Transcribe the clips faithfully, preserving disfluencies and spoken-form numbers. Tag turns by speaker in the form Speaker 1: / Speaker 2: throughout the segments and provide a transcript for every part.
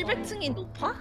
Speaker 1: 칠백 층이 높아?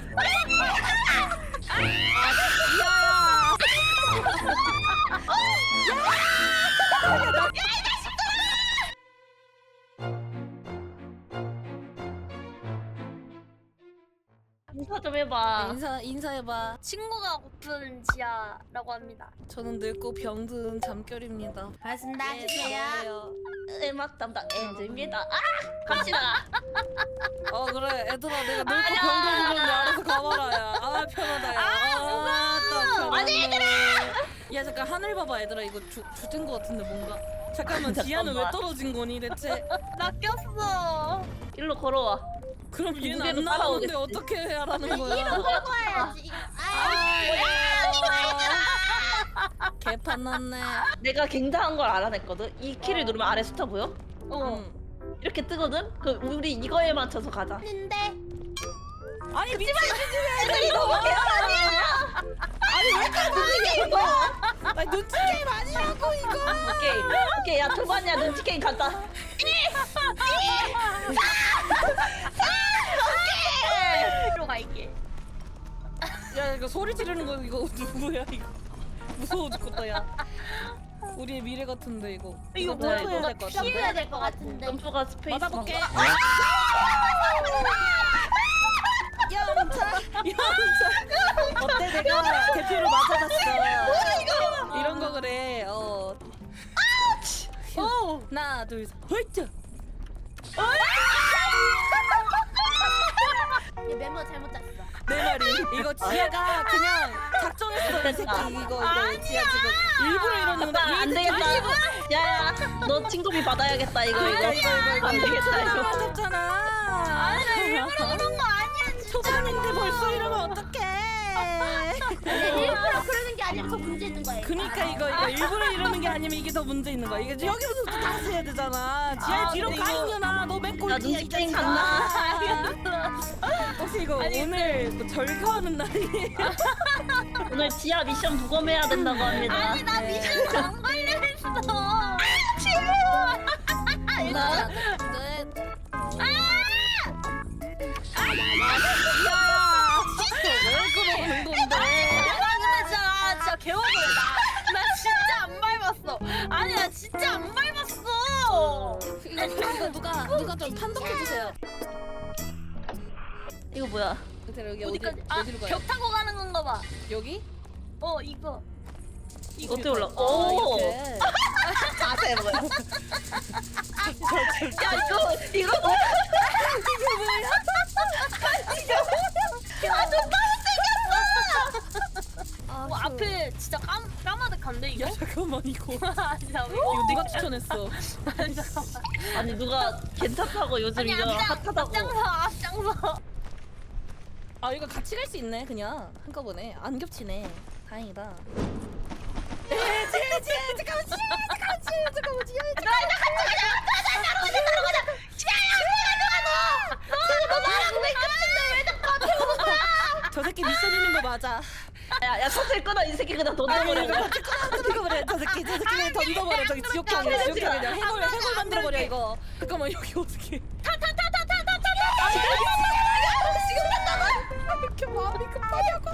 Speaker 1: 인사 좀 해봐.
Speaker 2: 인사 인사해봐.
Speaker 3: 친구가 고픈 지아라고 합니다.
Speaker 2: 저는 늙고 병든 잠결입니다.
Speaker 3: 반갑습니다.
Speaker 2: 예,
Speaker 3: 지아야.
Speaker 2: 반가워요.
Speaker 1: 음악 담당 엔즈입니다. 아! 갑시다.
Speaker 2: 어 그래 얘들아 내가 늙고 병든 그런데 알아서 가봐라야. 아 편하다 야. 아, 아니 얘들아. 야 잠깐 하늘 봐봐 얘들아 이거 주, 주된 거 같은데 뭔가. 잠깐만 지아는 왜
Speaker 1: 잠깐만.
Speaker 2: 떨어진 거니 대체?
Speaker 3: 나 꼈어.
Speaker 1: 일로 걸어와.
Speaker 2: 그럼 얘는
Speaker 1: 무게로
Speaker 2: 안 나오는데
Speaker 1: 따라오겠지.
Speaker 2: 어떻게 하라는 거야?
Speaker 3: 이름 바꿔야지.
Speaker 2: 아, 개판 났네.
Speaker 1: 내가 굉장한 걸 알아냈거든. 이 키를 누르면 아래 숫자 보여?
Speaker 2: 응.
Speaker 1: 이렇게 뜨거든? 그 우리 이거에 맞춰서 가자.
Speaker 3: 근데
Speaker 2: 아니 미친
Speaker 1: 애들 이거 뭐 개발이야?
Speaker 2: 아니 왜 이렇게 눈치 게임이야? 아니 눈치 게임 아니라고 이거.
Speaker 1: 오케이. 오케이. 야 초반이야. 눈치 게임 간다.
Speaker 3: 이리로 갈게.
Speaker 2: 야 이거 소리 지르는 거 이거 누구야 이거? 무서워 죽겠다 야. 우리의 미래 같은데 이거.
Speaker 1: 이거
Speaker 2: 점프해야
Speaker 1: 뭐야, 이거?
Speaker 2: 될것 같아.
Speaker 3: 피해야 될 것 같은데.
Speaker 1: 점프가 스페이스.
Speaker 2: 맞아볼게.
Speaker 1: 방가?
Speaker 2: 영차 영차. 어때 내가 대표로 맞아봤어. 이런 거 그래. 어. 오. 하나 둘 셋. 허이트.
Speaker 3: 얘 멤버 잘못 짰어.
Speaker 2: 내 말이 이거 지아가 그냥 작정했어 이 새끼 이거 이거 지아 지금 일부러 이러는
Speaker 1: 아, 안 되겠다. 야야, 너 친구비 받아야겠다 이거 이거. 안 되겠다 이거.
Speaker 2: 맞았잖아.
Speaker 3: 아니 나 일부러 그런 거 아니야 진짜.
Speaker 2: 초반인데 벌써 이러면 어떡해.
Speaker 3: 일부러 그러는 게 아니라 더 문제 있는 거야.
Speaker 2: 그니까 이거 이거 일부러 이러는 게 아니면 이게 더 문제 있는 거야. 이게 여기부터 또 다시 해야 되잖아. 지아
Speaker 1: 아,
Speaker 2: 뒤로
Speaker 1: 근데
Speaker 2: 가
Speaker 1: 이거-
Speaker 2: 있냐나. 너 맨
Speaker 1: 야
Speaker 2: 꼴찌야
Speaker 1: 눈치
Speaker 2: 이
Speaker 1: 게임
Speaker 2: 자식아.
Speaker 1: 갔나?
Speaker 2: 혹시 이거 오늘 뭐 절교하는 날이에요?
Speaker 1: 오늘 지하 미션 부검해야 된다고 합니다.
Speaker 3: 아니 나
Speaker 2: 네.
Speaker 3: 미션 안 걸려 있어.
Speaker 2: 하나 왜 그러는 건데?
Speaker 3: 아 근데 진짜 진짜 개워버려 나. 나 진짜 안 밟았어. 아니 나 진짜 안 밟았어.
Speaker 2: 이거 이거 누가 누가 좀 판독해 주세요.
Speaker 1: 이거 뭐야?
Speaker 2: 대체 여기 어디
Speaker 3: 어디까지? 아,
Speaker 2: 어디로 가요?
Speaker 3: 벽 타고 가는 건가 봐.
Speaker 2: 여기?
Speaker 3: 어 이거.
Speaker 1: 이거 어떻게 올라?
Speaker 2: 아,
Speaker 1: 오.
Speaker 2: 이렇게.
Speaker 1: 자세 뭐야? 야 이거 이거 뭐야?
Speaker 2: 아,
Speaker 3: 뭐 앞에 진짜 깜 까마득한데 이거?
Speaker 2: 야 잠깐만 이거
Speaker 3: 아니 나 왜?
Speaker 2: 이거 네가 추천했어.
Speaker 3: 아니 잠깐만.
Speaker 1: 아니 누가 괜찮다고 요즘
Speaker 3: 아니
Speaker 1: 이거
Speaker 3: 앞장
Speaker 1: 핫하다고.
Speaker 3: 앞장서 앞장서.
Speaker 2: 아 이거 같이 갈 수 있네 그냥 한꺼번에 안 겹치네. 다행이다. 에 지혜 지혜 잠깐만 지혜 잠깐만 지혜 잠깐만 지혜 저 새끼 미션 있는 거 맞아.
Speaker 1: 야야 셔틀 끊어 이 새끼 그냥 던져버려.
Speaker 2: 던져버려 저 새끼 저 새끼 그냥 던져버려 저기 지옥경이야 지옥경 그냥 해골 해골 만들어버려 이거. 잠깐만 여기 어떻게? 지금 간다고? 이렇게 마음이 급하냐고.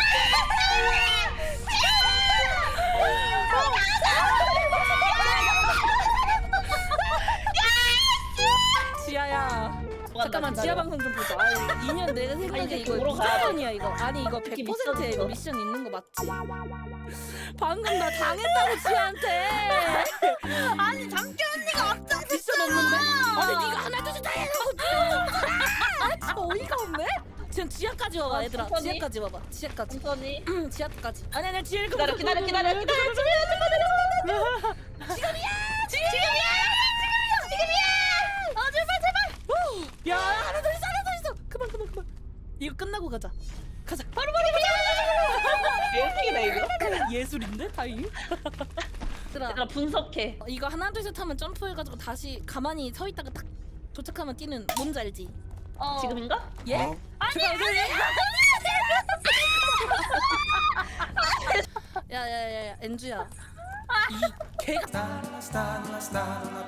Speaker 2: 지아야. 잠깐만 지아 방송 좀 보자. 아, 이 년 내가
Speaker 1: 아니,
Speaker 2: 생각에
Speaker 1: 이렇게
Speaker 2: 이거
Speaker 1: 보러 가야 돼.
Speaker 2: 미션이야 이거. 아니 이거
Speaker 1: 이렇게
Speaker 2: 백 퍼센트야 이거
Speaker 1: 미션
Speaker 2: 미션 있는 거 맞지? 방금 나 당했다고 지아한테.
Speaker 3: 아니 잠깐 언니가 앞장.
Speaker 2: 미션 없는데? 아니 네가 하나 둘셋 다 해놓고 진짜 어이가 없네? 지금 지하까지 와봐
Speaker 1: 아,
Speaker 2: 얘들아.
Speaker 1: 천천히.
Speaker 2: 지하까지 와봐. 지하까지.
Speaker 1: 천천히.
Speaker 2: 응 지하까지. 아니 아니 지하
Speaker 1: 기다려 기다려 기다려 기다려 기다려.
Speaker 3: 지금이야. 지금이야. 지금이야. 어 제발 제발.
Speaker 2: 야 하나 더 있어 하나 더 있어. 그만 그만 그만. 이거 끝나고 가자. 가자.
Speaker 3: 바로 바로 바로.
Speaker 1: 예술이다 이거.
Speaker 2: 예술인데 다행히. 얘들아
Speaker 1: 얘들아 분석해.
Speaker 2: 어, 이거 하나 둘 셋 하면 점프해가지고 다시 가만히 서 있다가 딱 도착하면 뛰는 뭔지 알지?
Speaker 3: 어.
Speaker 1: 지금인가?
Speaker 2: 예?
Speaker 3: 아니 아니
Speaker 2: 야야야야 엔주야 이 개가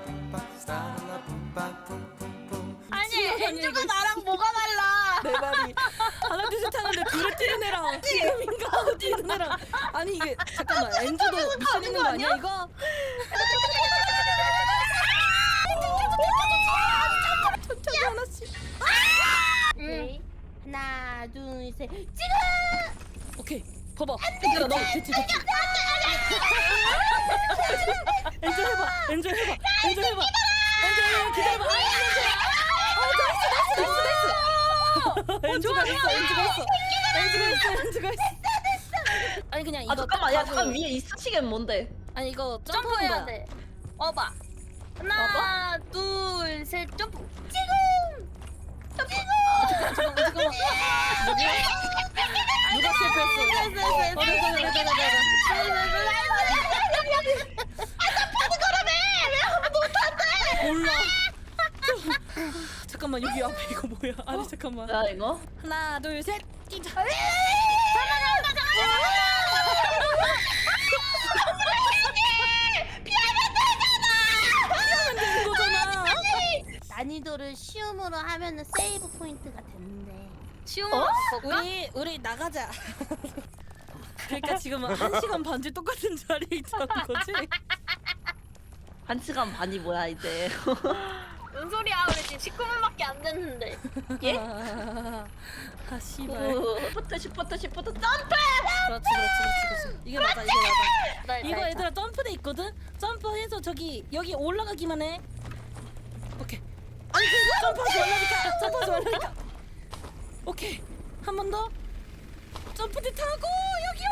Speaker 3: 아니 엔주가 나랑 뭐가 달라?
Speaker 2: 내 말이 둘이서 타는데 둘이 뛰는 애랑 지금인가 하고 뛰는 애랑 아니 이게 잠깐만 엔주도 미션 있는 거 아니야 이거? 천천히 하나씩.
Speaker 3: 오케이. 하나, 둘, 셋. 지금!
Speaker 2: 오케이 봐봐. 엔주야 너 됐지 됐지. 엔주 해봐. 엔주 해봐. 엔주 해봐. 엔주 해봐. 기다려봐. 아, 엔주. 어, 나이스, 나이스, 나이스, 나이스. 엔주가 있어. 엔주가 있어. 엔주가 있어. 엔주가 있어. 아니 그냥 이거
Speaker 1: 아 잠깐만 야
Speaker 2: 딱
Speaker 1: 잠깐
Speaker 2: 하고-
Speaker 1: 위에 이 스치겐 뭔데?
Speaker 2: 아니 이거
Speaker 3: 점프해야
Speaker 2: 점프해야
Speaker 3: 돼. 와봐. 하나, 둘, 셋, 점프. 지금! 점프!
Speaker 2: 잠깐만 잠깐만. 누가 실패했어? 어, 됐어, 됐어, 됐어, 됐어, 됐어. 몰라. 저- 잠깐만 여기 앞에 이거 뭐야? 아니 잠깐만.
Speaker 1: 야 이거?
Speaker 2: 하나 둘 셋. 뛰자. 피하면 되는 거잖아.
Speaker 3: 난이도를 쉬움으로 하면은 세이브 포인트가 된대.
Speaker 2: 쉬운
Speaker 1: 어?
Speaker 2: 우리 우리 나가자. 그러니까 지금 한 시간 반째 똑같은 자리에 있다는 거지?
Speaker 1: 한 시간 반이 뭐야 이제?
Speaker 3: 뭔 소리야? 우리 지금 십구 분밖에 안 됐는데.
Speaker 1: 예?
Speaker 2: 아 씨발.
Speaker 1: 시프트 시프트 시프트 점프!
Speaker 2: 그렇지 그렇지 그렇지 그렇지. 이게 맞아 이게 맞아.
Speaker 3: 나
Speaker 2: 이거 얘들아 점프대 있거든? 점프해서 저기 여기 올라가기만 해. 오케이. 아니 그 점프하지 말라니까. 점프하지 말라니까. 오케이. 한 번 더. 점프대 타고 여기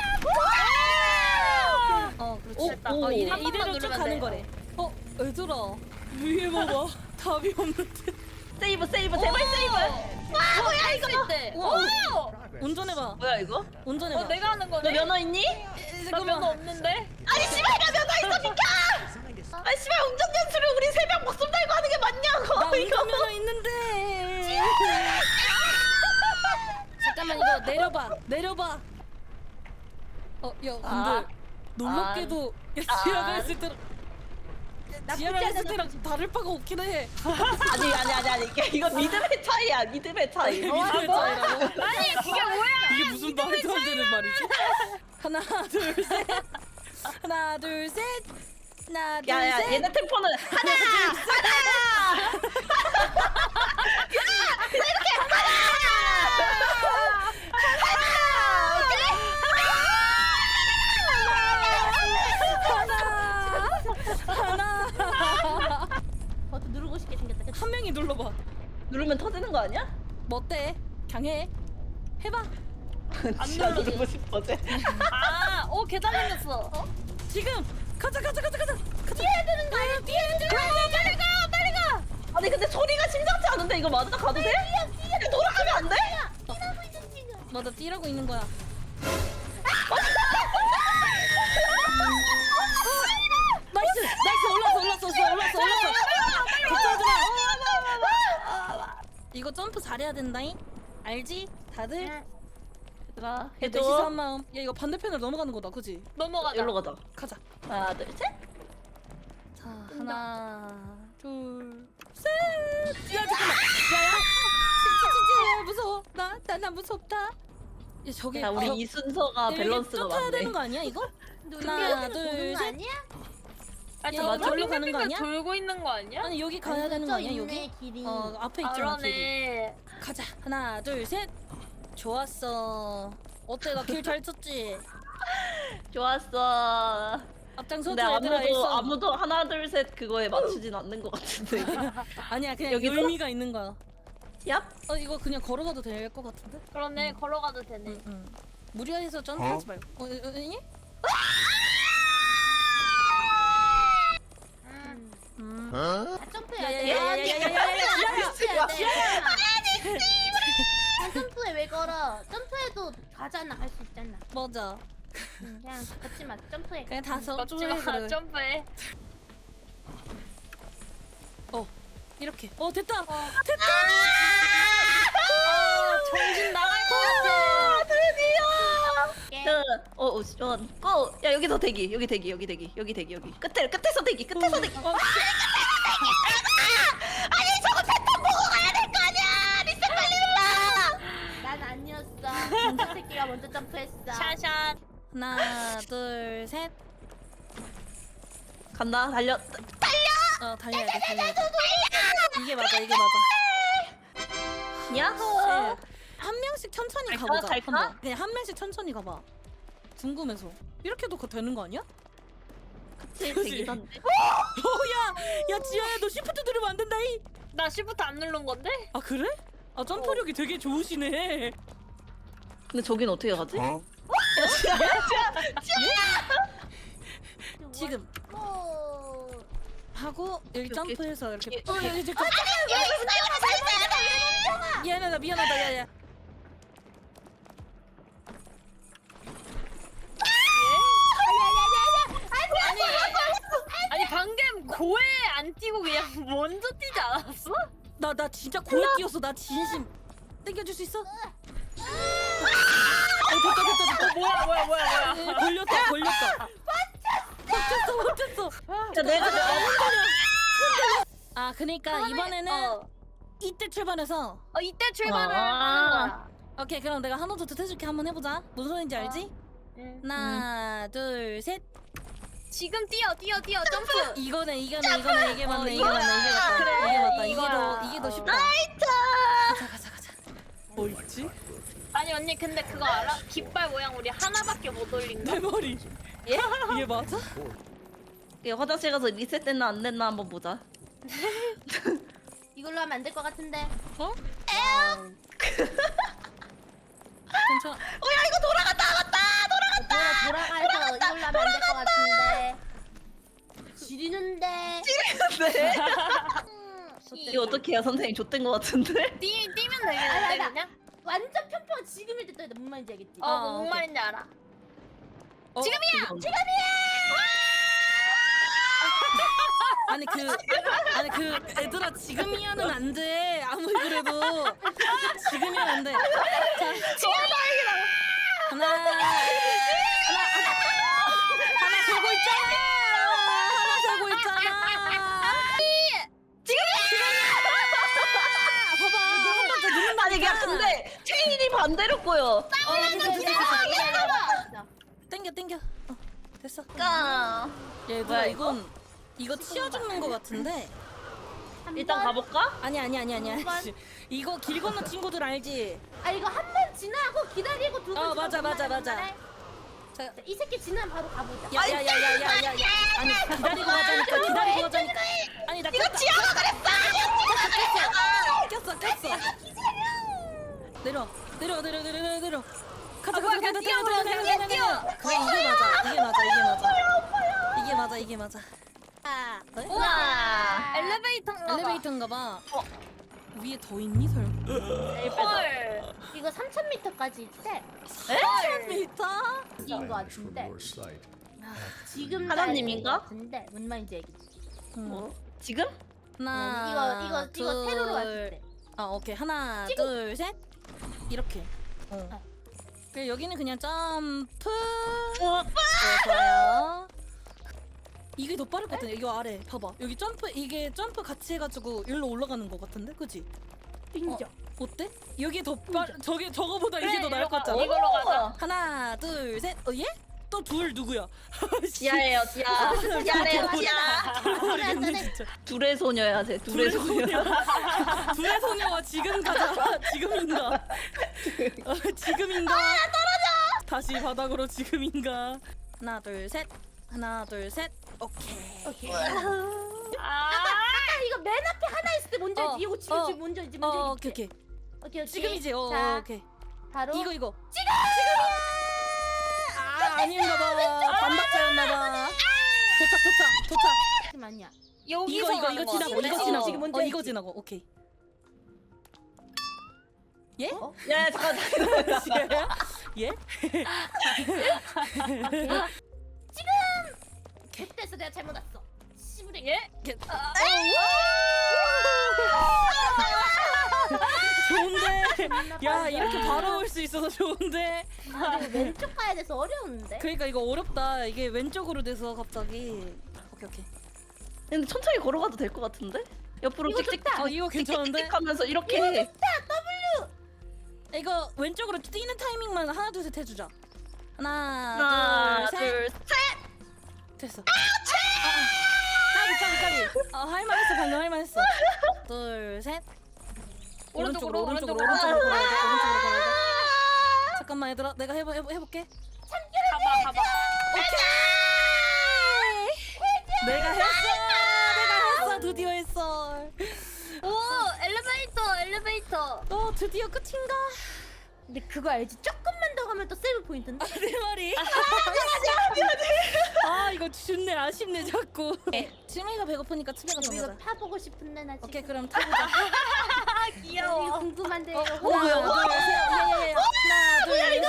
Speaker 2: 올라가야. 어 그렇지.
Speaker 1: 오,
Speaker 2: 됐다.
Speaker 1: 오.
Speaker 2: 어, 이래,
Speaker 3: 한 번만
Speaker 2: 이대로 쭉
Speaker 3: 누르면
Speaker 2: 가는
Speaker 3: 돼.
Speaker 2: 거래. 어 얘들아 위에 봐봐. 답이 없는데.
Speaker 1: 세이브 세이브 제발 세이브! 와 뭐야 이거?
Speaker 3: 때.
Speaker 2: 우와.
Speaker 3: 오!
Speaker 2: 운전해봐.
Speaker 1: 뭐야 이거?
Speaker 2: 운전해봐.
Speaker 3: 어, 내가 하는
Speaker 1: 너
Speaker 3: 거네?
Speaker 1: 면허 있니?
Speaker 3: 나 면허 없는데?
Speaker 1: 아니 씨발 나 면허 있어 비켜! 아니 씨발 운전 연수를 우리 세 명 목숨 달고 하는 게 맞냐고
Speaker 2: 나
Speaker 1: 이거.
Speaker 2: 운전면허 있는데. 잠깐만 이거 내려봐. 내려봐. 어, 야 근데
Speaker 1: 아.
Speaker 2: 놀랍게도 야
Speaker 1: 아.
Speaker 2: 지하가 했을 때랑 지하가 했을 때랑 다를 바가 없긴 해.
Speaker 1: 아니 아니 아니 아니 이게 이거 믿음의 차이야 믿음의 차이.
Speaker 2: 믿음의 차이라고?
Speaker 3: 아니, 그게 뭐야?
Speaker 2: 이게 무슨 말도 안 되는 말이지? 하나 둘 셋. 하나 둘 셋. 하나 둘
Speaker 1: 야야
Speaker 2: 셋.
Speaker 1: 얘네 템포는 하나 하나.
Speaker 2: 하나. 하나.
Speaker 3: 버튼 누르고 싶게 생겼다. 그치?
Speaker 2: 한 명이 눌러봐.
Speaker 1: 누르면 터지는 거 아니야?
Speaker 2: 뭐 어때? 강해. 해봐.
Speaker 1: 안 누르고 싶어지.
Speaker 3: 아, 오, 계단 생겼어. 어?
Speaker 2: 지금 가자 가자 가자 가자. 가자.
Speaker 3: 뛰어야 되는 거 아니야? 뛰어야 되는 거 아니야? 빨리 가! 빨리 가!
Speaker 1: 아니 근데 소리가 심상치 않은데 이거 맞아? 가도 돼? 그냥 돌아가면 안 돼?
Speaker 3: 뛰라고 있는 지금.
Speaker 2: 맞아 뛰라고 있는 거야. 나이스 나이스 올랐어 올랐어 올랐어 올랐어. 걱정하지 마. 이거 점프 잘해야 된다잉. 알지? 다들.
Speaker 1: 얘들아
Speaker 2: 넷이서
Speaker 1: 해줘.
Speaker 2: 한 마음. 야 이거 반대편으로 넘어가는 거다, 그지?
Speaker 3: 넘어가자.
Speaker 1: 여기로 가자.
Speaker 2: 가자.
Speaker 1: 하나 둘 셋.
Speaker 2: 자 하나 둘 셋. 야 잠깐만. 야야. 진짜 무서워. 나 나 나 무섭다. 야 저기.
Speaker 1: 야 우리
Speaker 2: 어,
Speaker 1: 이 순서가
Speaker 2: 여기
Speaker 1: 밸런스가
Speaker 2: 쫓아야
Speaker 1: 맞네.
Speaker 2: 되는 거 아니야 이거?
Speaker 3: 하나,
Speaker 2: 하나
Speaker 3: 둘,
Speaker 2: 둘 셋.
Speaker 3: 아니야?
Speaker 2: 아
Speaker 1: 저 맞아?
Speaker 2: 저기로 가는 거 아니야?
Speaker 3: 돌고 있는 거 아니야?
Speaker 2: 아니 여기 가야 되는 거 아니야 여기?
Speaker 3: 길이.
Speaker 2: 어 앞에
Speaker 3: 아,
Speaker 2: 있잖아 길이.
Speaker 3: 그러네.
Speaker 2: 가자. 하나 둘 셋. 좋았어. 어때 나 길 잘 쳤지?
Speaker 1: 좋았어.
Speaker 2: 앞장서줘
Speaker 1: 근데
Speaker 2: 얘들아
Speaker 1: 아무도
Speaker 2: 일선.
Speaker 1: 아무도 하나 둘 셋 그거에 맞추진 않는 것 같은데. 이게.
Speaker 2: 아니야 그냥
Speaker 1: 여기도?
Speaker 2: 의미가 있는 거야.
Speaker 1: 얍.
Speaker 2: 어 이거 그냥 걸어가도 될 것 같은데?
Speaker 3: 그러네. 걸어가도 되네.
Speaker 2: 응 응. 무리해서 점프하지 말고. 어, 어, 어, 예?
Speaker 3: 음.
Speaker 2: 음.
Speaker 3: 아, 점프해야 돼.
Speaker 2: 야야야야야야야야야.
Speaker 3: 점프해야 돼. 아, 점프해 왜 걸어? 점프해도 가잖아. 갈 수 있잖아.
Speaker 2: 맞아.
Speaker 3: 응, 그냥 걷지 마. 점프해.
Speaker 2: 그냥 다섯
Speaker 3: 걷지
Speaker 2: 줄
Speaker 3: 마.
Speaker 2: 그래.
Speaker 3: 점프해.
Speaker 2: 어 이렇게. 어 됐다. 됐다.
Speaker 3: 아, 정신 나갈 것 같아.
Speaker 1: 드디어. 자, 어, 어, 어, 고. 야 여기서 대기. 여기 대기. 여기 대기. 여기 대기. 여기. 끝에 끝에서 대기. 끝에서 대기.
Speaker 2: 어,
Speaker 1: 아니 저거 패턴 보고 가야 될 거 아니야. 리셋 빨리 눌러.
Speaker 3: 난 아니었어.
Speaker 4: 내가 먼저 점프했어.
Speaker 3: 샷샷.
Speaker 2: 하나 둘 셋.
Speaker 1: 간다. 달려.
Speaker 2: 어 달려야 돼 달려야 돼. 이게 맞아 이게 맞아.
Speaker 1: 야호.
Speaker 2: 한 명씩 천천히
Speaker 1: 갈까?
Speaker 2: 가보자.
Speaker 1: 갈까?
Speaker 2: 한번. 그냥 한 명씩 천천히 가봐. 궁금해서. 이렇게도 그 되는 거 아니야?
Speaker 1: 그치,
Speaker 2: 그치?
Speaker 1: 되긴 한데.
Speaker 2: 어야 야 지아야 너 시프트 누르면 안 된다 이.
Speaker 3: 나 시프트 안 누른 건데?
Speaker 2: 아 그래? 아 점프력이 되게 좋으시네.
Speaker 1: 근데 저긴 어떻게 가지?
Speaker 2: 지금
Speaker 4: 어.
Speaker 2: 하고 일
Speaker 1: 오케이,
Speaker 2: 점프해서 이렇게.
Speaker 1: 오케이.
Speaker 2: 어, 야, 이제 좀- 미안하다 미안하다 야야.
Speaker 3: 아니 방금 고에 안 뛰고 그냥 먼저 뛰지 않았어?
Speaker 2: 나 나 진짜 고에 뛰었어. 나 진심. 땡겨줄 수 있어? 어 됐다 됐다 됐다.
Speaker 3: 뭐야 뭐야 뭐야 뭐야.
Speaker 2: 걸렸다 걸렸다. 못했어 못했어.
Speaker 1: 야, 내가
Speaker 2: 아 그러니까 이번에는
Speaker 3: 어.
Speaker 2: 이때 출발해서.
Speaker 3: 어 이때 출발을
Speaker 1: 아.
Speaker 3: 하는 거야.
Speaker 2: 오케이 그럼 내가 한호 두트 해줄게. 한번 해보자. 무슨 소리인지 알지?
Speaker 3: 응.
Speaker 2: 하나 둘 셋.
Speaker 3: 지금 뛰어 뛰어 뛰어 점프.
Speaker 2: 이거네 이거네 이거네 이게 맞네
Speaker 3: 어,
Speaker 2: 이게 맞네 이게 맞다
Speaker 3: 그래,
Speaker 2: 이게 맞다 이게
Speaker 3: 이거야.
Speaker 2: 더 이게 더 쉽다.
Speaker 1: 나이트.
Speaker 2: 가자 가자 가자. 뭐 있지?
Speaker 3: 아니 언니 근데 그거 알아? 깃발 모양 우리 하나밖에 못 올린 거.
Speaker 2: 내 머리.
Speaker 1: 예?
Speaker 2: 이게 맞아?
Speaker 1: 야, 화장실 가서 리셋됐나 안 됐나 한번 보자.
Speaker 4: 이걸로 하면 안 될 것 같은데.
Speaker 2: 어? 괜찮아.
Speaker 1: 어, 야, 이거 돌아갔다, 갔다, 돌아갔다.
Speaker 4: 돌아가서 이걸로 하면 안 될 것 같은데. 지리는데.
Speaker 1: 네.
Speaker 4: 음,
Speaker 1: 이거 어떻게 해야 선생님 좆된 거 같은데?
Speaker 3: 뛰 뛰면
Speaker 4: 아니,
Speaker 3: 되겠는데
Speaker 4: 아니,
Speaker 3: 그냥?
Speaker 4: 완전 편평 지금일 때 떠야 돼. 뭔 말인지 알겠지?
Speaker 3: 어
Speaker 2: 아,
Speaker 3: 뭔
Speaker 2: 오케이.
Speaker 3: 말인지 알아.
Speaker 2: 어?
Speaker 1: 지금이야.
Speaker 2: 아니 그 아니 그 애들아 지금이야는 안 돼. 아무리 그래도 지금이야 안 돼. 자 하나 하나 하나 세고 있잖아. 하나 세고 있잖아. 봐봐 한 번 더 누른다.
Speaker 1: 아니, 야, 근데 체인이 반대로 꼬여.
Speaker 2: 어 됐어 됐어 됐어. 땡겨 땡겨. 어 됐어.
Speaker 1: 까.
Speaker 2: 얘들아
Speaker 1: 뭐야,
Speaker 2: 이건 이거 치워 죽는 거 같은데.
Speaker 1: 일단 가볼까?
Speaker 2: 아니 아니 아니 아니
Speaker 4: 한 번?
Speaker 2: 아니. 이거 길 건너 친구들 알지?
Speaker 4: 아 이거 한 번 지나고 기다리고 두 번.
Speaker 2: 어, 맞아, 맞아, 맞아.
Speaker 4: 자, 이 새끼 지나면 바로 가보자.
Speaker 2: 야야야야야야야. 아니 기다리고 가자니까 기다리고 가자니까. 아니 나
Speaker 1: 이거 지하가
Speaker 2: 꼈어 꼈어. 내려 내려 내려 내려 내려 내려. 가자 가자 가자 뛰어 뛰어 뛰어 뛰어. 그래 이게 맞아 이게 맞아 이게 맞아. 이게 맞아 이게 맞아.
Speaker 4: 아,
Speaker 2: 네?
Speaker 1: 우와.
Speaker 3: 엘리베이터인가 봐.
Speaker 2: 엘리베이터인가 봐. 위에 더 있니 설마?
Speaker 3: 헐.
Speaker 4: 이거 삼천 미터까지 있대.
Speaker 2: 삼천 미터?
Speaker 4: 이인 것 같은데.
Speaker 5: Your sight.
Speaker 4: 지금
Speaker 1: 하나님인가?
Speaker 4: 나이인 것 같은데 뭔 말인지 알겠지?
Speaker 1: 뭐? 지금?
Speaker 2: 하나
Speaker 4: 이거 이거 이거 세로로
Speaker 2: 둘.
Speaker 4: 왔을 때.
Speaker 2: 아 오케이 하나
Speaker 4: 찍어.
Speaker 2: 둘 셋 이렇게. 어.
Speaker 4: 어.
Speaker 2: 그래 여기는 그냥 점프.
Speaker 1: 어,
Speaker 2: 네, 좋아요. 이게 더 빠를 것 같은데 이거 아래 봐봐 여기 점프 이게 점프 같이 해가지고 일로 올라가는 것 같은데 그지?
Speaker 4: 인정.
Speaker 2: 어때? 여기 더 빠르 저게 저거보다 이게 더 나을 것 같지 않아?
Speaker 3: 이걸로 가자.
Speaker 2: 하나 둘 셋 어 얘? 또 둘 누구야?
Speaker 1: 지하예요, 지하. 지하래요, 지하.
Speaker 2: 모르겠네 진짜.
Speaker 1: 둘의 소녀야, 쟤. 둘의 소녀.
Speaker 2: 둘의 소녀와 지금 가자. 지금인가? 어, 지금인가? 아 떨어져. 다시 바닥으로 지금인가? 하나 둘 셋. 하나 둘 셋. 오케이.
Speaker 4: 오케이.
Speaker 3: 아.
Speaker 4: 아까 이거 맨 앞에 하나 있을 때 뭔지
Speaker 2: 어,
Speaker 4: 알지? 이거 지금
Speaker 2: 어,
Speaker 4: 지금 뭔지 알지?
Speaker 2: 어
Speaker 4: 뭔지
Speaker 2: 오케이
Speaker 4: 알지?
Speaker 2: 오케이.
Speaker 4: 오케이 오케이.
Speaker 2: 지금이지. 어
Speaker 4: 자,
Speaker 2: 오케이.
Speaker 4: 바로
Speaker 2: 이거 이거. 지금 지금이야. 아 아닌가 봐. 반박자였나 봐. 도착 도착 도착.
Speaker 4: 잠깐만요.
Speaker 3: 여기서
Speaker 2: 이거 이거
Speaker 3: 가는
Speaker 2: 이거
Speaker 3: 거
Speaker 2: 지나고
Speaker 3: 같은데?
Speaker 2: 이거
Speaker 4: 어,
Speaker 2: 지나고.
Speaker 4: 지금 뭔지
Speaker 2: 어 이거
Speaker 4: 알지?
Speaker 2: 지나고. 오케이. 예?
Speaker 1: 야, 야, 잠깐.
Speaker 2: 예?
Speaker 4: 그때서 내가 잘못 왔어. 씨부레.
Speaker 3: 예?
Speaker 2: 좋은데. 야 이렇게 바로 올 수 있어서 좋은데.
Speaker 4: 그리고 왼쪽 가야 돼서 어려운데.
Speaker 2: 그러니까 이거 어렵다. 이게 왼쪽으로 돼서 갑자기. 오케이 오케이.
Speaker 1: 근데 천천히 걸어가도 될 것 같은데? 옆으로
Speaker 4: 이거
Speaker 1: 찍찍.
Speaker 4: 좋다.
Speaker 2: 어 이거 괜찮은데?
Speaker 1: 찍찍찍 하면서 이렇게.
Speaker 4: 이거 좋다. W.
Speaker 2: 이거 왼쪽으로 뛰는 타이밍만 하나 둘 셋 해주자. 하나,
Speaker 1: 하나,
Speaker 2: 둘, 셋.
Speaker 1: 둘, 셋.
Speaker 2: 됐어. 아, 아. 까비 까비 까비. 어, 할만했어 방금 할만했어. 둘, 셋. 오른쪽으로 오른쪽으로
Speaker 3: 오른쪽으로,
Speaker 2: 오른쪽으로 걸어야 돼. 오른쪽으로 걸어야 돼. 잠깐만 얘들아, 내가 해보 해보 해볼게.
Speaker 3: 가봐 가봐.
Speaker 2: 내가 했어. 내가 했어. 드디어 했어.
Speaker 4: 오 엘리베이터 엘리베이터.
Speaker 2: 어 드디어 끝인가?
Speaker 4: 근데 그거 알지? 조금만 더 가면 또 세이브 포인트인데.
Speaker 2: 아, 내 말이. 아 이거 좋네. 아쉽네 자꾸. 치명이가 배고프니까 치명이가
Speaker 4: 이거
Speaker 2: 정하자.
Speaker 4: 타보고 싶은데 나 지금.
Speaker 2: 오케이 그럼 타보자.
Speaker 3: 아
Speaker 4: 이거
Speaker 3: 귀여워.
Speaker 4: 궁금한데
Speaker 2: 어,
Speaker 4: 이거.
Speaker 2: 하나, 둘, 셋. 예예예. 하나, 둘, 셋.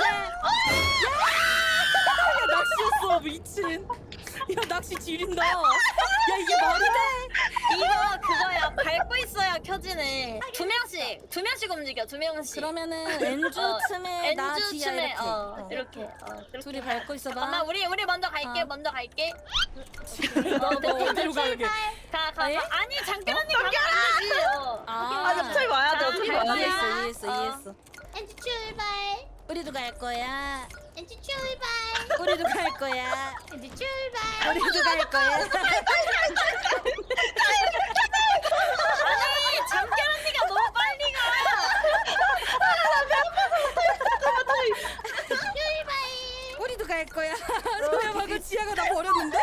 Speaker 2: 야, 낚시였어 미친. 야 낚시 지린다. 야 이게 말이 돼?
Speaker 3: 이거 그거야. 밟고 있어야 켜지네. 두 명씩 두 명씩 움직여. 두 명씩.
Speaker 2: 그러면은 엔주
Speaker 3: 어,
Speaker 2: 틈에 나
Speaker 3: 엔주
Speaker 2: 지야
Speaker 3: 춤에
Speaker 2: 이렇게.
Speaker 3: 어,
Speaker 2: 어.
Speaker 3: 이렇게. 어, 이렇게.
Speaker 2: 둘이 밟고 있어봐.
Speaker 3: 잠깐만 우리 우리 먼저 갈게.
Speaker 2: 어.
Speaker 3: 먼저 갈게.
Speaker 2: 너, 너 어디로 가게?
Speaker 3: 가 가.
Speaker 2: 에?
Speaker 3: 가. 아니 장현 언니 가면 안 되지. 어.
Speaker 2: 아,
Speaker 1: 아니 어차피 와야 돼. 어차피
Speaker 3: 자,
Speaker 1: 와야 돼.
Speaker 2: 이해했어, 이해했어,
Speaker 3: 어.
Speaker 2: 이해했어.
Speaker 4: 엔지 출발.
Speaker 2: 우리도 갈 거야.
Speaker 4: 엔지 출발.
Speaker 2: 우리도 갈 거야.
Speaker 4: 엔지 출발.
Speaker 2: 우리도 갈 거야.
Speaker 3: 아니 장현 언니가 너무 빨리 가.
Speaker 4: 출발.
Speaker 2: 우리도 갈 거야. 소야 방금 지아가 나 버렸는데?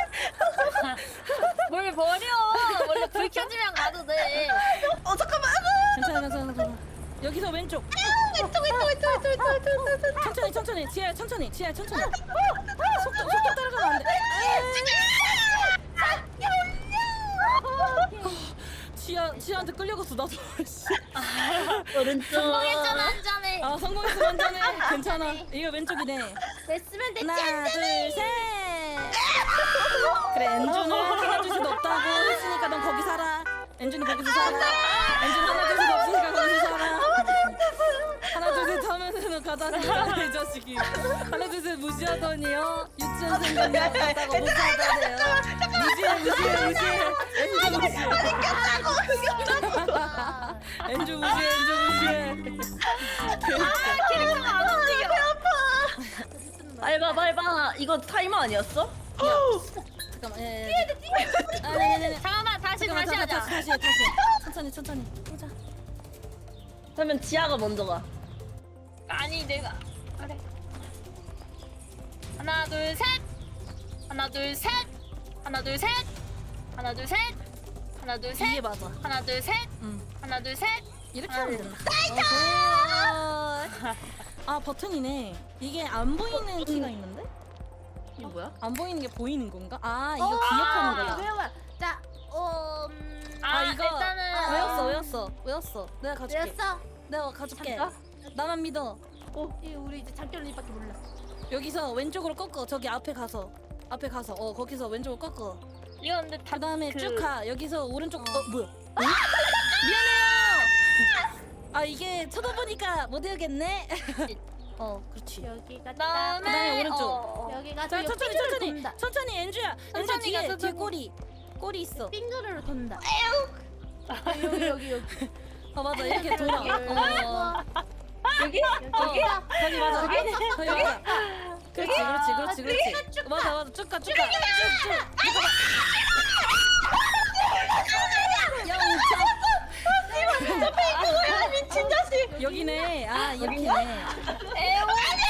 Speaker 3: 뭘 버려. 원래 불 켜지면 가도 돼.
Speaker 1: 어 잠깐만.
Speaker 2: 괜찮아, 괜찮아, 괜찮아. 여기서 왼쪽.
Speaker 1: 왼쪽 왼쪽 왼쪽 왼쪽 왼쪽 왼쪽 왼쪽.
Speaker 2: 천천히, 천천히. 지아야, 천천히. 지아야, 천천히. 속도, 속도 따라가면 안 돼. 지아, 지아한테 끌려갔어, 나도.
Speaker 1: 오른쪽.
Speaker 3: 성공했잖아 한 잔에.
Speaker 2: 아, 성공했어, 완전해. 괜찮아. 이거 왼쪽이네.
Speaker 4: 됐으면 됐지.
Speaker 2: 하나, 둘, 셋. 그래, 엔준은 하나 둘셋 없다고 했으니까 넌 거기 살아. 엔준이 거기서 살아. 엔준 하나 둘셋 없으니까 거기서 살아. 하나 둘셋 하면은 너 가자니까 이 자식이. 하나 둘셋 무시하더니요. 유치원생 같다고 무시하다네요. 무시해 무시해 무시해. 엔준 무시해. 엔준 무시해 엔준 무시해.
Speaker 3: 캐릭터가 안 움직여.
Speaker 1: 밟아 밟아. 이거 타이머 아니었어?
Speaker 2: 잠깐만. 예, 예. 아, 네네네.
Speaker 3: 잠깐만 다시
Speaker 2: 잠깐만,
Speaker 3: 다시 하자.
Speaker 2: 다시 다시 해, 다시. 해. 천천히 천천히. 보자.
Speaker 1: 그러면 지아가 먼저 가.
Speaker 3: 아니 내가 그래. 하나 둘 셋. 하나 둘 셋. 하나 둘 셋. 하나 둘 셋. 하나 둘 셋.
Speaker 2: 이게 맞아.
Speaker 3: 하나 둘 셋.
Speaker 2: 응.
Speaker 3: 하나 둘 셋.
Speaker 2: 이렇게
Speaker 3: 하나,
Speaker 2: 하면
Speaker 3: 둘,
Speaker 2: 된다. 어, 아 버튼이네. 이게 안 보이는 키가 있는데?
Speaker 1: 이게 뭐야?
Speaker 2: 안 보이는 게 보이는 건가? 아 이거
Speaker 4: 어,
Speaker 2: 기억하는
Speaker 4: 아,
Speaker 2: 거다.
Speaker 4: 외워. 자, 어, 음,
Speaker 3: 아,
Speaker 2: 아 이거
Speaker 3: 일단은
Speaker 2: 외웠어 외웠어 외웠어. 내가 가줄게.
Speaker 4: 외웠어?
Speaker 2: 내가 가줄게.
Speaker 1: 잠깐.
Speaker 2: 나만 믿어.
Speaker 4: 어, 이 우리 이제 장결 언니밖에 몰라.
Speaker 2: 여기서 왼쪽으로 꺾어. 저기 앞에 가서 앞에 가서 어 거기서 왼쪽으로 꺾어.
Speaker 3: 이거 근데 다
Speaker 2: 그 다음에
Speaker 3: 그-
Speaker 2: 쭉 가. 여기서 오른쪽. 어 뭐야? 어? 미안해요. 아 이게 쳐다보니까 못 외우겠네. 어 그렇지.
Speaker 4: 여기가
Speaker 3: 그다음에
Speaker 2: 그다음에 오른쪽.
Speaker 3: 어, 어.
Speaker 4: 여기가
Speaker 2: 자
Speaker 4: 저
Speaker 2: 천천히
Speaker 4: 빙그를
Speaker 2: 천천히
Speaker 4: 돈다.
Speaker 2: 천천히 엔주야 엔주
Speaker 3: 천천히
Speaker 2: 뒤에
Speaker 3: 가서
Speaker 2: 뒤에
Speaker 3: 천천히.
Speaker 2: 꼬리 꼬리 있어.
Speaker 4: 빙그를 돈다. 여기 여기 여기.
Speaker 2: 어 맞아 이렇게 돌아. 어
Speaker 1: 여기?
Speaker 4: 여기.
Speaker 2: 거기 맞아 거기 맞아. 그렇지 그렇지 그렇지 그렇지.
Speaker 4: 쭉 가.
Speaker 2: 맞아 맞아 쭉가 쭉가 쭉쭉.
Speaker 1: 야 미친 자식.
Speaker 2: 여기네. 아 이렇게네.
Speaker 3: 에오.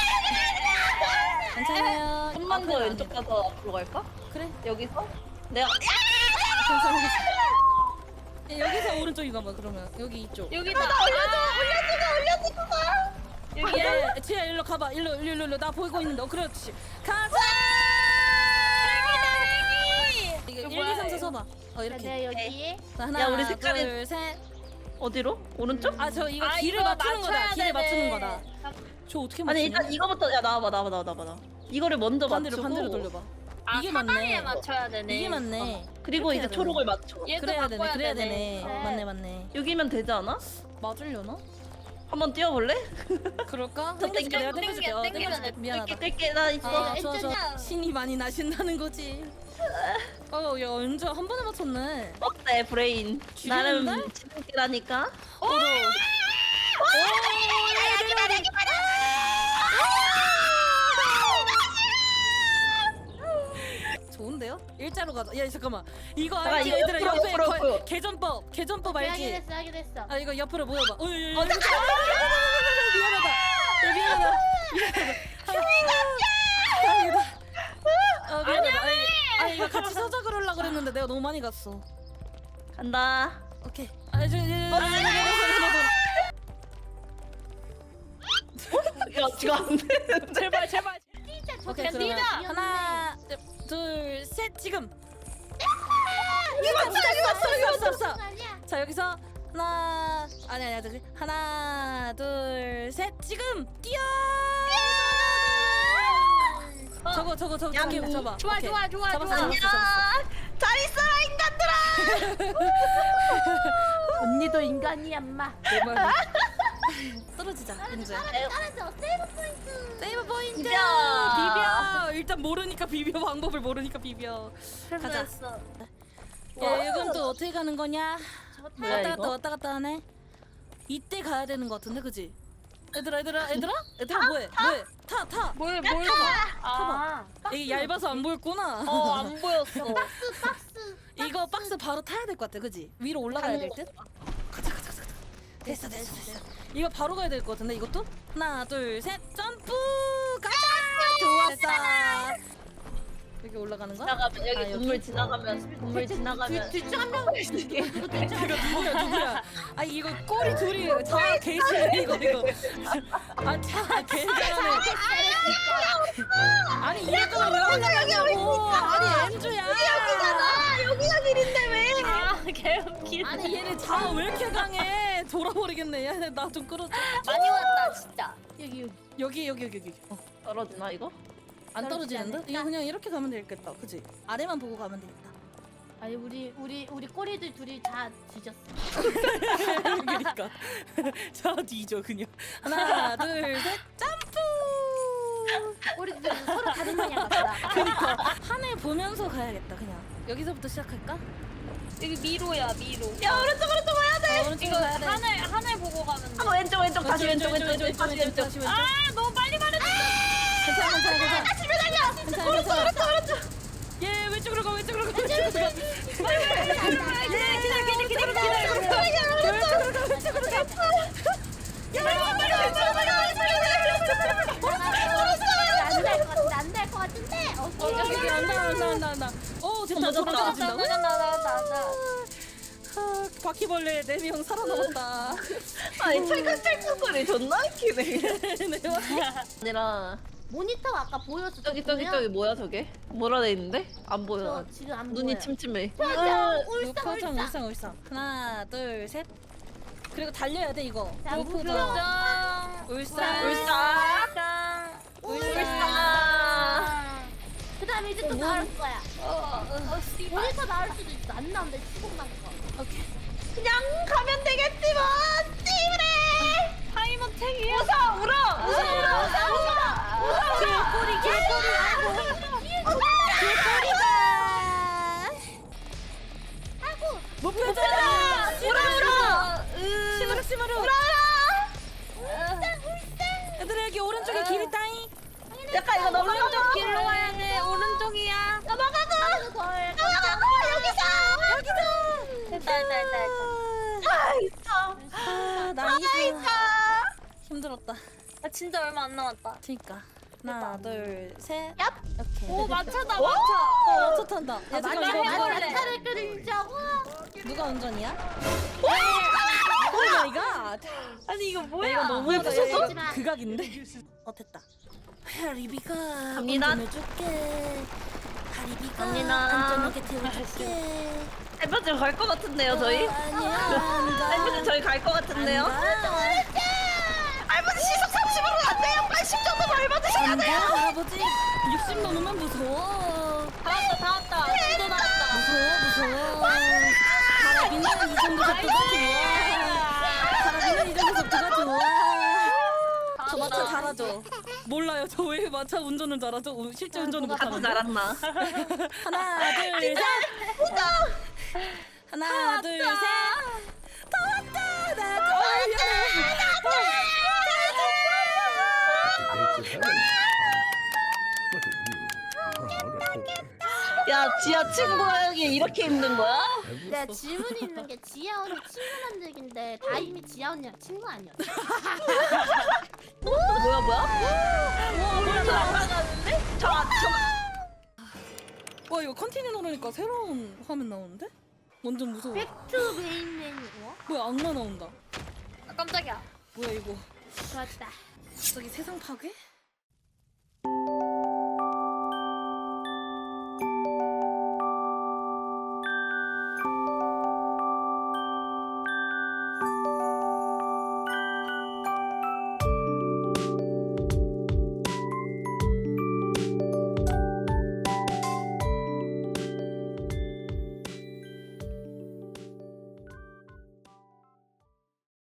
Speaker 2: 괜찮아요.
Speaker 1: 좀만 더
Speaker 2: 앞으로 안
Speaker 1: 왼쪽
Speaker 2: 해.
Speaker 1: 가서 앞으로 갈까?
Speaker 2: 그래
Speaker 1: 여기서? 내가
Speaker 2: 괜찮아 괜찮아. 예, 여기서 오른쪽인가 봐 그러면 여기 이쪽.
Speaker 3: 여기다.
Speaker 1: 올려줘 올려주고 올려주고 가.
Speaker 3: 여기
Speaker 2: 예, 지야 일로 가봐. 일로 일로 일로 일로 나 보이고 있는데. 어, 그렇지. 가자. 이거 일, 이, 삼, 사 서봐. 어 이렇게.
Speaker 4: 네 여기.
Speaker 2: 자, 하나,
Speaker 1: 야, 우리 색깔이-
Speaker 2: 둘, 셋.
Speaker 1: 어디로? 오른쪽?
Speaker 2: 아, 저 이거
Speaker 3: 아,
Speaker 2: 길을
Speaker 3: 이거
Speaker 2: 맞추는 거다.
Speaker 3: 맞춰야
Speaker 2: 길을
Speaker 3: 되네.
Speaker 2: 맞추는 거다. 저 어떻게 맞추냐?
Speaker 1: 아니 일단 이거부터 야 나와봐 나와봐 나와봐 나와봐 나. 이거를 먼저
Speaker 2: 반대로
Speaker 1: 맞추고
Speaker 2: 반대로 돌려봐.
Speaker 3: 아,
Speaker 2: 이게
Speaker 3: 사다리에
Speaker 2: 맞네.
Speaker 3: 맞춰야 되네.
Speaker 2: 이게 맞네.
Speaker 1: 그리고
Speaker 2: 이렇게
Speaker 1: 이제
Speaker 2: 해야 되네.
Speaker 1: 초록을 맞춰.
Speaker 3: 얘도
Speaker 2: 그래야 되네.
Speaker 3: 바꿔야
Speaker 2: 그래야
Speaker 3: 되네.
Speaker 2: 되네.
Speaker 4: 네.
Speaker 2: 맞네, 맞네.
Speaker 1: 여기면 되지 않아?
Speaker 2: 맞으려나?
Speaker 1: 한번 뛰어볼래?
Speaker 2: 그럴까?
Speaker 1: 저
Speaker 2: 땡겨줄게. 내가
Speaker 3: 땡겨,
Speaker 2: 땡겨줄게. 어,
Speaker 3: 땡겨,
Speaker 2: 땡겨줄게.
Speaker 3: 땡겨.
Speaker 2: 미안하다.
Speaker 1: 뗄게 나 있어.
Speaker 2: 아,
Speaker 4: 네,
Speaker 2: 좋아, 좋아.
Speaker 4: 엔전이야.
Speaker 2: 신이 많이 나신다는 거지. 어, 야, 은주 한 번에 맞췄네.
Speaker 1: 어때 브레인?
Speaker 2: 죽였는데?
Speaker 1: 나름 지름길하니까.
Speaker 2: 너도. 오, 내려, 내려, 내려. 갈게요. 일자로 가자. 야 잠깐만. 이거
Speaker 1: 잠깐,
Speaker 2: 알지?
Speaker 1: 이거
Speaker 2: 얘들아
Speaker 1: 옆으로,
Speaker 2: 옆에
Speaker 1: 옆으로,
Speaker 2: 거-
Speaker 1: 옆으로.
Speaker 2: 개전법 개전법 알지?
Speaker 4: 하긴 했어 하긴 했어.
Speaker 2: 아 이거 옆으로 모여봐. 어, 야, 야, 야,
Speaker 1: 어,
Speaker 2: 야, 미안하다. 야, 미안하다. 미안하다. 다행이다. 아 미안하다. 아니, 아니 이거 같이 서자 그러려 그랬는데 내가 너무 많이 갔어.
Speaker 1: 간다.
Speaker 2: 오케이. 아, 저, 저, 저, 저,
Speaker 1: 야 지금 안 돼.
Speaker 3: 제발 제발.
Speaker 4: 진짜 저
Speaker 2: 오케이
Speaker 4: 캔디다.
Speaker 2: 그러면 하나, 둘, 셋 지금.
Speaker 1: 이거 맞다 이거 맞다 이거
Speaker 2: 없어 없어.
Speaker 4: 아니야.
Speaker 2: 자 여기서 하나 아니 아니 아니 하나 둘 셋 지금 뛰어. 저거 저거 저거
Speaker 1: 야,
Speaker 2: 저거 잡아.
Speaker 3: 좋아,
Speaker 2: 오케이.
Speaker 3: 좋아, 좋아,
Speaker 2: 잡았어,
Speaker 3: 좋아.
Speaker 2: 잡았어,
Speaker 1: 안녕.
Speaker 2: 잡았어.
Speaker 1: 잘 있어라 인간들아.
Speaker 4: 언니도 인간이야 엄마.
Speaker 2: 내 말이. 떨어지자 이제.
Speaker 4: 떨어져 세이브 포인트.
Speaker 2: 세이브 포인트.
Speaker 1: 비벼.
Speaker 2: 비벼. 일단 모르니까 비벼 방법을 모르니까 비벼. 가자.
Speaker 3: 실수했어.
Speaker 2: 야 이건 또 어떻게 가는 거냐?
Speaker 1: 뭐야,
Speaker 2: 왔다
Speaker 1: 이거?
Speaker 2: 갔다 왔다 갔다 하네. 이때 가야 되는 거 같은데 그지? 얘들아 얘들아 얘들아 얘들아 뭐해 뭐해 타 타.
Speaker 3: 뭘 뭘? 아.
Speaker 2: 이게 얇아서 안 보였구나.
Speaker 3: 어 안 보였어.
Speaker 4: 박스 박스.
Speaker 2: 이거 박스 바로 타야 될 것 같아, 그지? 위로 올라가야 될 듯? 가자, 가자, 가자, 가자. 됐어, 됐어, 됐어. 이거 바로 가야 될 것 같은데, 이것도? 하나, 둘, 셋, 점프! 가자! 좋았어. 여기 올라가는 거야?
Speaker 1: 지나가면 여기
Speaker 2: 아, 여기?
Speaker 1: 건물 지나가면 건물 지나가면
Speaker 4: 뒤쪽 한 명.
Speaker 2: 이거 누구야, 누구야? 아, 이거 꼬리 둘이 자, 개시네, 이거, 이거. 아, 자, 개잘하네. 아니, 이랬잖아, 왜 올라가냐고. 아니, 엔주야.
Speaker 1: 여기잖아. 여기가 길인데 왜?
Speaker 3: 아 개웃기.
Speaker 2: 아니, 얘네 자, 왜 이렇게 강해? 돌아버리겠네. 야, 나 좀 끌어줘.
Speaker 3: 많이 왔다 진짜.
Speaker 4: 여기 여기.
Speaker 2: 여기 여기 여기 여기 어,
Speaker 1: 떨어지나 이거?
Speaker 2: 안
Speaker 4: 떨어지지
Speaker 2: 떨어지는데?
Speaker 4: 않을까?
Speaker 2: 이거 그냥 이렇게 가면 되겠다 그치? 아래만 보고 가면 되겠다
Speaker 4: 아니 우리 우리 우리 꼬리들 둘이 다 뒤졌어.
Speaker 2: 그러니까 자 뒤져 그냥 하나 둘셋 점프
Speaker 4: 꼬리들 서로 다른 방향 갔다.
Speaker 2: 그니까 하늘 보면서 가야겠다 그냥 여기서부터 시작할까?
Speaker 3: 여기 미로야 미로.
Speaker 1: 야 오른쪽 오른쪽 와야 돼.
Speaker 2: 어, 오른쪽으로
Speaker 3: 이거
Speaker 2: 가야 돼
Speaker 3: 하늘 하늘 보고 가면 돼.
Speaker 1: 아, 왼쪽 왼쪽 다시 왼쪽 왼쪽 왼쪽 다시 왼쪽.
Speaker 2: 다시 왼쪽
Speaker 3: 아 너무 빨리 말했어.
Speaker 2: 괜찮아 괜찮아 괜찮아
Speaker 1: 다시 매달려.
Speaker 2: 괜찮아
Speaker 1: 오른쪽
Speaker 2: 괜찮아
Speaker 1: 오른쪽 오른쪽.
Speaker 2: 예 왼쪽으로 가 왼쪽으로 가 왼쪽으로 가
Speaker 3: 기다려 기다려 기다려 기다려 기다려.
Speaker 1: 왼쪽으로 가 왼쪽으로 가. 야 빨리 왼쪽으로 가 왼쪽으로 가.
Speaker 4: 안될 것 같은데 안될 것 같은데.
Speaker 2: 어
Speaker 4: 오케이.
Speaker 2: 저기 저기 안다 안다 안다 안다 어 됐다
Speaker 1: 어,
Speaker 2: 돌아가
Speaker 1: 맞았다.
Speaker 2: 진다
Speaker 3: 나나나나.
Speaker 2: 아, 바퀴벌레 네 명 살아남았다.
Speaker 1: 아니 찰칵찰칵 소리 존나 웃기네.
Speaker 2: 네,
Speaker 1: 아니라
Speaker 4: 모니터가 아까 보였어.
Speaker 1: 저기 저기 저기 뭐야 저게? 뭐라 돼 있는데? 안 보여.
Speaker 4: 저 지금 안
Speaker 1: 눈이
Speaker 4: 보여.
Speaker 1: 침침해.
Speaker 4: 맞아.
Speaker 2: 요
Speaker 4: 울상
Speaker 2: 표정
Speaker 4: 울상.
Speaker 2: 울상 울상. 하나 둘 셋. 그리고 달려야 돼 이거.
Speaker 4: 자,
Speaker 2: 요
Speaker 4: 무표정.
Speaker 2: 표정. 울상
Speaker 1: 울상. 울상.
Speaker 4: 그다음에 이제 또 나올 거야. 모니터 나올 수도 있어. 안 나온다. 시공 난 거.
Speaker 2: 오케이.
Speaker 1: 그냥 가면 되겠지 뭐. 찌그래.
Speaker 3: 타이머 택이.
Speaker 1: 웃어 울어 웃어 울어 웃어 웃어.
Speaker 2: 개꼬리 개꼬리. 개꼬리다.
Speaker 4: 아이고.
Speaker 2: 목표잖아.
Speaker 1: 울어 울어.
Speaker 2: 시무룩 시무룩.
Speaker 1: 울어.
Speaker 2: 얘들아 여기 오른쪽에 길이 따잉.
Speaker 1: 약간 이거 넘어가.
Speaker 3: 오른쪽 길로 가야 돼. 오른쪽이야.
Speaker 1: 넘어가고.
Speaker 4: 덜.
Speaker 1: 넘어가고 여기서 여기서.
Speaker 3: 됐다 됐다 됐다.
Speaker 1: 아 있어.
Speaker 2: 아
Speaker 1: 아
Speaker 2: 나이스.
Speaker 1: 있어.
Speaker 2: 힘들었다.
Speaker 3: 아 진짜 얼마 안 남았다.
Speaker 2: 그니까. 하나 둘 셋.
Speaker 1: 얍.
Speaker 2: 오케이.
Speaker 3: 오 마차다
Speaker 1: 오!
Speaker 3: 마차.
Speaker 2: 어 마차 탄다. 야
Speaker 4: 아,
Speaker 2: 잠깐
Speaker 4: 맞아.
Speaker 2: 이거
Speaker 3: 해볼래.
Speaker 2: 이거
Speaker 4: 차를 끓이자고.
Speaker 2: 누가 운전이야? 오 마이 갓.
Speaker 3: 아니 이거 뭐야?
Speaker 2: 이거 너무
Speaker 1: 예쁘셨어?
Speaker 2: 예쁘셨어? 이거 극악인데? 어 됐다. 하리비가
Speaker 1: 갑니다.
Speaker 2: 운전해줄게. 하리비가
Speaker 1: 갑니다.
Speaker 2: 안전하게 태워줄게.
Speaker 1: 앨범 갈것 같은데요 저희?
Speaker 2: 어, 아니야
Speaker 1: 앨범 저희 갈 것 같은데요?
Speaker 2: 안돼
Speaker 1: 할아버지 시속 삼십으로 안 돼요. 팔십 정도 밟아주셔야
Speaker 2: 안돼
Speaker 1: 돼요.
Speaker 2: 할아버지 육십 넘으면 무서워.
Speaker 3: 다 왔다 다 왔다. 진짜 다 왔다.
Speaker 2: 무서워 무서워. 하라비는 이 정도 속도가 좋아. 하라비는 이 정도 속도가 좋아. 저 마차 잘하죠? 몰라요. 저 왜 마차 운전을 잘하죠? 어, 실제 운전을
Speaker 1: 자꾸
Speaker 2: 못하는데.
Speaker 1: 잘한나?
Speaker 2: 하나 둘 셋. 하나 둘 셋. 다 왔다. 나 어,
Speaker 5: What are you? Proud of?
Speaker 1: 야 지하 친구하기 이렇게 힘든 거야?
Speaker 4: 네, 질문이 있는 게 지아 언니 친구 만들기인데 다임이 지아 언니랑 친구 아니었어?
Speaker 1: 뭐야 뭐야? 와 그래서 날아가는데? 저 저.
Speaker 2: 와 이거 컨티뉴 누르니까 새로운 화면 나오는데? 완전 무서워.
Speaker 4: 백투 메인 메뉴. 어?
Speaker 2: 뭐야 악마 나온다.
Speaker 3: 아, 깜짝이야.
Speaker 2: 뭐야 이거?
Speaker 4: 좋았다.
Speaker 2: 갑자기 세상 파괴?